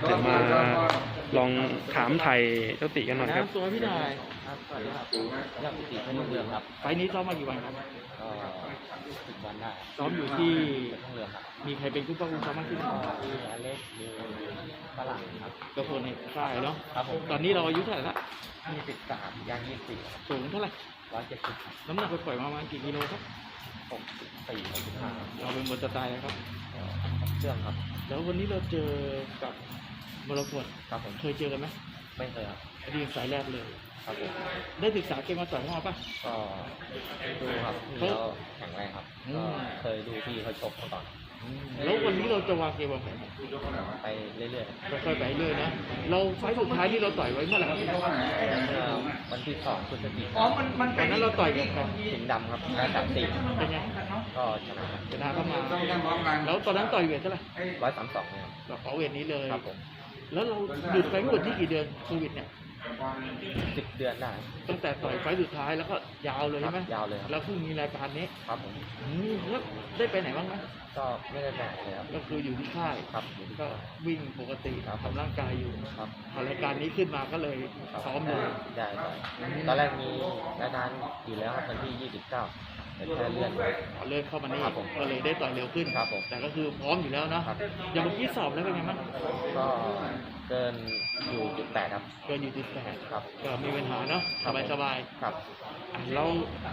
เดี๋ยวมาลองถามไทยเจ้าติกันหน่อยครับตัวพี่นายครับสวัสดีครับยอดปิติเป็นลูกเรือครับไฟล์นี้ซ้อมมากี่วันครับก็10 วันได้ซ้อมอยู่ที่เป็นลูกเรือครับมีใครเป็นคู่ป้องกันซ้อมมากที่สุดที่อเล็กมีฝรั่งครับก็คนในค่ายเนาะครับผมตอนนี้เราอายุเท่าไหร่ละ 23ย่าง24ครับสูงเท่าไหร่ 170ครับน้ำหนักไปปล่อยมาประมาณกี่กิโลครับ 64 65ครับเราเป็นบนสไตล์นะครับเครื่องครับแล้ววันนี้เราเจอกับมรกตครับผมเคยเจอกันไหมไม่เคยครับอันนี้สายแรกเลยครับผมได้ศึกษาเกมมาต่อยเข้ามาป่ะก็ดูครับพี่แล้วแข็งแรงครับอืมก็เคยดูพี่เขาชกมาก่อนแล้ววันนี้เราจะวางเกมวางแผนไปเรื่อยๆค่อยๆไปเรื่อยนะ เราไฟล์สุดท้ายที่เราต่อยไว้เมื่อไหร่ครับเมื่อวันที่2 พฤศจิกายนตอนนั้นเราต่อยกับใครสิงห์ดำครับแล้ว34 เป็นไงก็ชนะครับชนะเข้ามา แล้วตอนนั้นต่อยเวทเท่าไหร่ 132เนี่ยเราขอเวทนี้เลยครับผมแล้วเราหยุดไปทั้งหมดที่กี่เดือนโควิดเนี่ย 10 เดือนได้ตั้งแต่ต่อยไฟล์สุดท้ายแล้วก็ยาวเลยครัใช่ไหมยาวเลยครับแล้วเพิ่งมีรายการนี้ครับผมแล้วได้ไปไหนบ้างไหมก็ไม่ได้แบ่งเลยครับก็คืออยู่ที่ค่ายครับอยู่ที่ก็วิ่งปกติครับทำร่างกายอยู่ครับพอรายการนี้ขึ้นมาก็เลยครับซ้อมเลยได้ตอนแรกมีรายการอยู่แล้วครับวันที่ 29แต่แค่เลื่อนไปเลื่อนเข้ามานี่ครับผมก็เลยได้ต่อยเร็วขึ้นครับผมแต่ก็คือพร้อมอยู่แล้วเนาะครับอย่างเมื่อกี้สอบแล้วเป็นไงบ้างก็เกินอยู่จุด8ครับเกินอยู่ที่8 ครับก็มีปัญหาเนาะครับผมสบายครับๆอ่ะเรา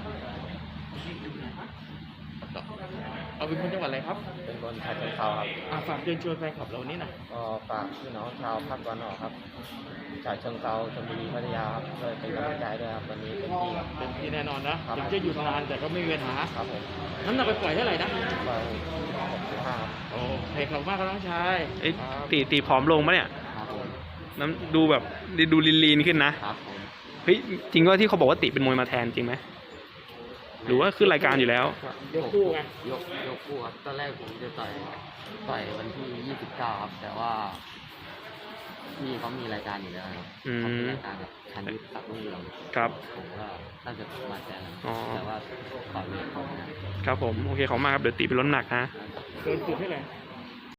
เอาเป็นคนจังหวัดอะไรครับเป็นคนชาเชิงเทราครับฝากเชิญชวนแฟนคลับเรานี่หน่อยก็ฝากพี่น้องชาวภาคตะวันออกครับชาเชิงเทราชลบุรีพัทยาครับช่วยเป็นกำลังใจด้วยครับวันนี้เป็นที่ครับเป็นที่แน่นอนนะครับ ถึงจะหยุดนานแต่ก็ไม่มีปัญหาครับผมน้ำหนักไปปล่อยเท่าไหร่นะก็65ครับโอ้เฮ้ยขอบคุณมากครับน้องชายเอ้ยตีผอมลงปะเนี่ยครับผมน้ำดูแบบดูลีนๆขึ้นนะครับผมเฮ้ยจริงว่าที่เขาบอกว่าติเป็นมวยมาแทนจริงไหมหรือว่าขึ้นรายการอยู่แล้วยกคู่ไงยกคู่ครับตอนแรกผมจะต่อยวันที่ 29 ครับ แต่ว่าพี่เขามีรายการอยู่แล้วครับอืมเขามีรายการกับชันยุทธกับรุ่งเรืองครับผมก็น่าจะมาแทนแล้วอ๋อแต่ว่าต่อยเวทเขาไม่ได้ครับผมโอเคขอบคุณมากครับเดี๋ยวตีเป็นลดน้ำหนักฮะเกินจุดเท่าไหร่